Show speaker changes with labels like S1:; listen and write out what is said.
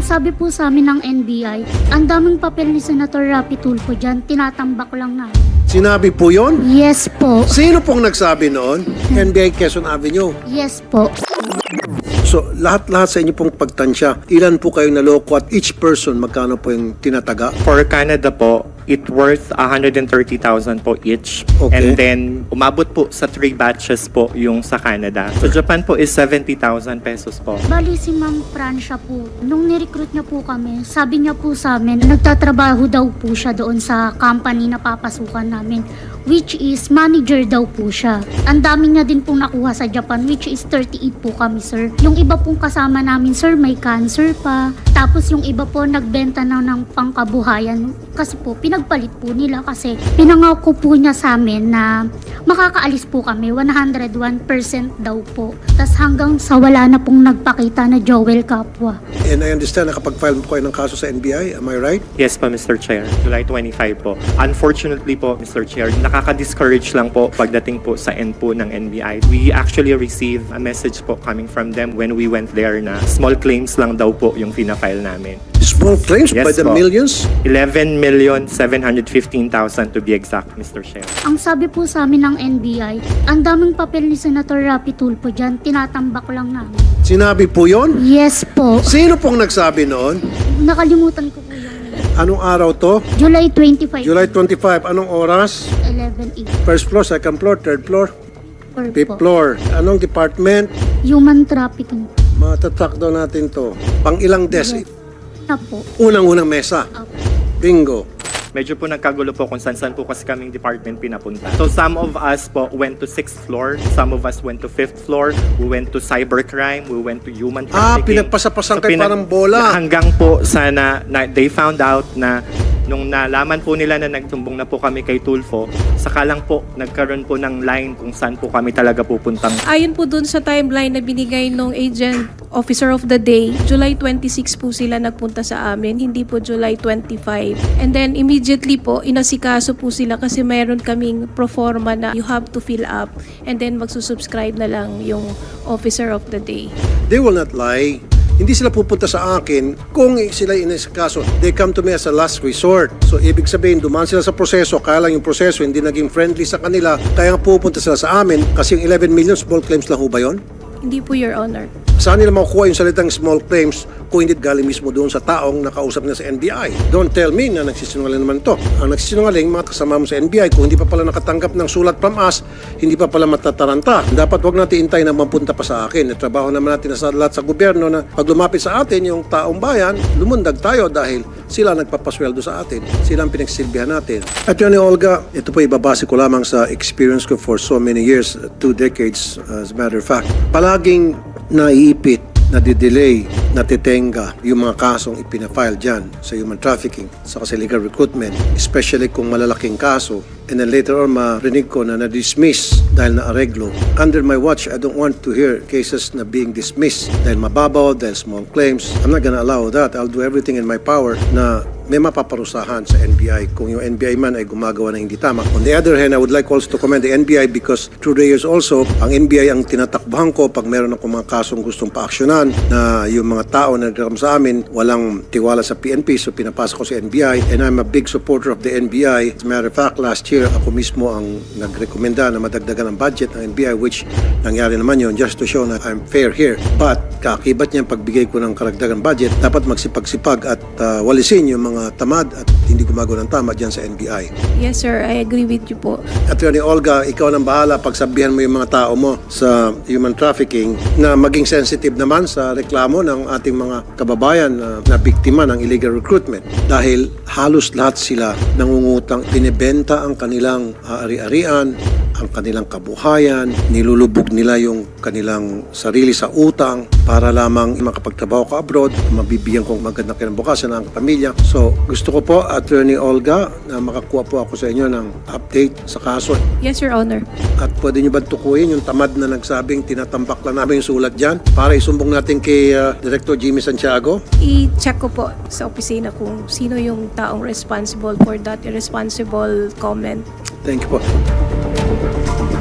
S1: Ang sabi po sa amin ng NBI, ang daming papel ni Senator Rapi Tulfo dyan, tinatambak lang na.
S2: Sinabi po yon?
S1: Yes po.
S2: Sino pong nagsabi noon? NBI Quezon Avenue.
S1: Yes po.
S2: So, lahat-lahat sa inyo pong pagtansya, ilan po kayong naloko at each person, magkano po yung tinataga?
S3: For Canada po, it worth 130,000 po each.
S2: Okay.
S3: And then, umabot po sa 3 batches po yung sa Canada. So, Japan po is 70,000 pesos po.
S1: Bali si Ma'am Francia po, nung nirecruit niya po kami, sabi niya po sa amin, nagtatrabaho daw po siya doon sa company na papasukan namin, which is manager daw po siya. Ang dami niya din pong nakuha sa Japan, which is 38 po kami, sir. Yung iba pong kasama namin, sir, may cancer pa. Tapos yung iba po, nagbenta na ng pangkabuhayan. Kasi po, pinagpalit po nila kasi pinangako po niya sa amin na makakaalis po kami, 101% daw po. Tapos hanggang sa wala na pong nagpakita na Joel Kapwa.
S2: And I understand, nakapag-file po kayo ng kaso sa NBI, am I right?
S3: Yes po, Mr. Chair. July 25 po. Unfortunately po, Mr. Chair, nakaka-discourage lang po pagdating po sa end po ng NBI. We actually received a message po coming from them when we went there na small claims lang daw po yung fina-file namin.
S2: Small claims
S3: Yes
S2: by the
S3: po.
S2: millions?
S3: 11,715,000 to be exact, Mr. Chair.
S1: Ang sabi po sa amin ng NBI, ang daming papel ni Senator Rapi Tulfo dyan, tinatambak lang namin.
S2: Sinabi po yon?
S1: Yes po.
S2: Sino pong nagsabi noon?
S1: Nakalimutan ko po yung
S2: Anong araw to?
S1: July 25,
S2: July 25. Anong oras?
S1: 11, 8.
S2: First floor, second floor, third floor, fifth floor. Anong department?
S1: Human trafficking.
S2: Matatrack daw natin to. Pang ilang desk?
S1: Na po.
S2: Unang-unang mesa.
S1: Apo.
S2: Bingo.
S3: Medyo po nagkagulo po kung saan po kasi kaming department pinapunta. So some of us po went to 6th floor, some of us went to 5th floor, we went to cybercrime, we went to human trafficking.
S2: Pinagpasapasan kayo parang bola.
S3: Hanggang po sana na they found out na nung nalaman po nila na nagtumbong na po kami kay Tulfo, saka lang po nagkaroon po ng line kung saan po kami talaga pupuntang.
S4: Ayon po dun sa timeline na binigay nung agent officer of the day, July 26 po sila nagpunta sa amin, hindi po July 25. And then immediately po, inasikaso po sila kasi mayroon kaming proforma na you have to fill up and then magsusubscribe na lang yung officer of the day.
S2: They will not lie. Hindi sila pupunta sa akin kung sila inasikaso. They come to me as a last resort. So, ibig sabihin, dumaan sila sa proseso, kaya lang yung proseso hindi naging friendly sa kanila, kaya pupunta sila sa amin kasi yung 11 million small claims lang ho ba yun?
S4: Hindi po, Your Honor.
S2: Saan nila makukuha yung salitang small claims kung hindi galing mismo doon sa taong nakausap na sa NBI? Don't tell me na nagsisinungaling naman to. Ang nagsisinungaling, mga kasama mo sa NBI, kung hindi pa pala nakatanggap ng sulat from us, hindi pa pala matataranta. Dapat wag natin intay na mapunta pa sa akin. Trabaho naman natin sa lahat sa gobyerno na pag lumapit sa atin yung taong bayan, lumundag tayo dahil sila nagpapasweldo sa atin. Sila ang pinagsilbihan natin. At yun, Olga, ito po ibabase ko lamang sa experience ko for so many years, 2 decades as a matter of fact. Palaging naiipit, nadidelay, natitenga yung mga kasong ipinafile dyan sa human trafficking, sa illegal recruitment, especially kung malalaking kaso. And then later on, marinig ko na na-dismiss dahil na-areglo. Under my watch, I don't want to hear cases na being dismissed dahil mababaw, dahil small claims. I'm not gonna allow that. I'll do everything in my power na may mapaparusahan sa NBI kung yung NBI man ay gumagawa ng hindi tama. On the other hand, I would like also to commend the NBI because through the years also, ang NBI ang tinatakbuhan ko pag meron akong mga kasong gustong paaksyonan na yung mga tao na nagreklam sa amin walang tiwala sa PNP, so pinapasa ko sa NBI and I'm a big supporter of the NBI. As a matter of fact, last year ako mismo ang nagrekomenda na madagdagan ang budget ng NBI, which nangyari naman yun just to show na I'm fair here. But kakibat niya pagbigay ko ng karagdagan budget, dapat magsipag-sipag at walisin yung mga tamad at hindi gumagawa ng tama dyan sa NBI.
S4: Yes, sir. I agree with you po.
S2: Attorney Olga, ikaw nang bahala pagsabihan mo yung mga tao mo sa human trafficking na maging sensitive naman sa reklamo ng ating mga kababayan na biktima ng illegal recruitment. Dahil halos lahat sila nangungutang, binibenta ang kanilang ari-arian, ang kanilang kabuhayan, nilulubog nila yung kanilang sarili sa utang para lamang makapagtrabaho ka abroad, mabibigyan kong magandang kinabukasan ang pamilya. So, gusto ko po, Attorney Olga, na makakuha po ako sa inyo ng update sa kaso.
S4: Yes, Your Honor.
S2: At pwede nyo ba tukuyin yung tamad na nagsabing tinatambak lang namin yung sulat dyan para isumbong natin kay Director Jimmy Santiago?
S4: I-check ko po sa opisina kung sino yung taong responsible for that irresponsible comment.
S2: Thank you po.